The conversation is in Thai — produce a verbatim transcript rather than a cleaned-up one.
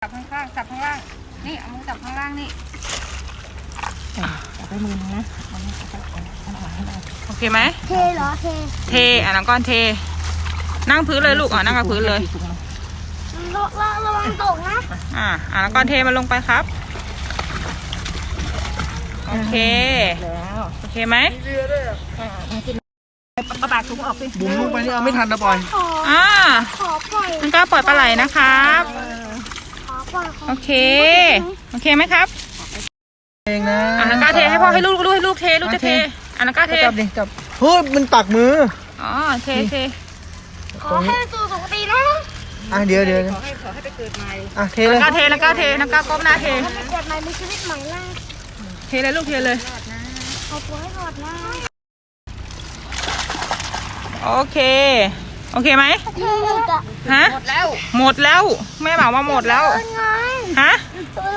จับข้างล่างจับข้างล่างนี่เอามือจับข้างล่างนี่จับไปมือนึงนะโอเคไหมเทเหรอเทเทอ่ะน้องก้อนเทนั่งพื้นเลยลูกอ่ะนั่งกับพื้นเลยระวังระวังตกนะอ่ะอ่ะน้องก้อนเทมันลงไปครับโอเคแล้วโอเคไหมกระบาดถุงออกสิบุ๋มลงไปนี่เอาไม่ทันนะปล่อยอ่าขอปล่อยมันก็ปล่อยปลาไหลนะครับขอปล่อยโอเคโอเคไหมครับเองนะอ่ะน้องก้าเทให้พ่อให้ลูกลูกให้ลูกเทลูกจะเทอ่ะน้องก้าเทจับดิจับเฮ้ยมันปักมืออ๋อเทเทขอให้สู่สุคตินะอ่ะเดี๋ยวเดี๋ยวขอให้ขอให้ไปเกิดใหม่อ่ะเทเลยน้องก้าเทน้องก้าเทน้องก้าก้มหน้าเทให้ไปเกิดใหม่มีชีวิตใหม่นะเทเลยลูกเทเลยขอตัวให้รอดนะโอเคโอเคไหมเทหมดอ่ะฮะหมดแล้วหมดแล้วแม่บอกว่าหมดแล้วไงฮะตัว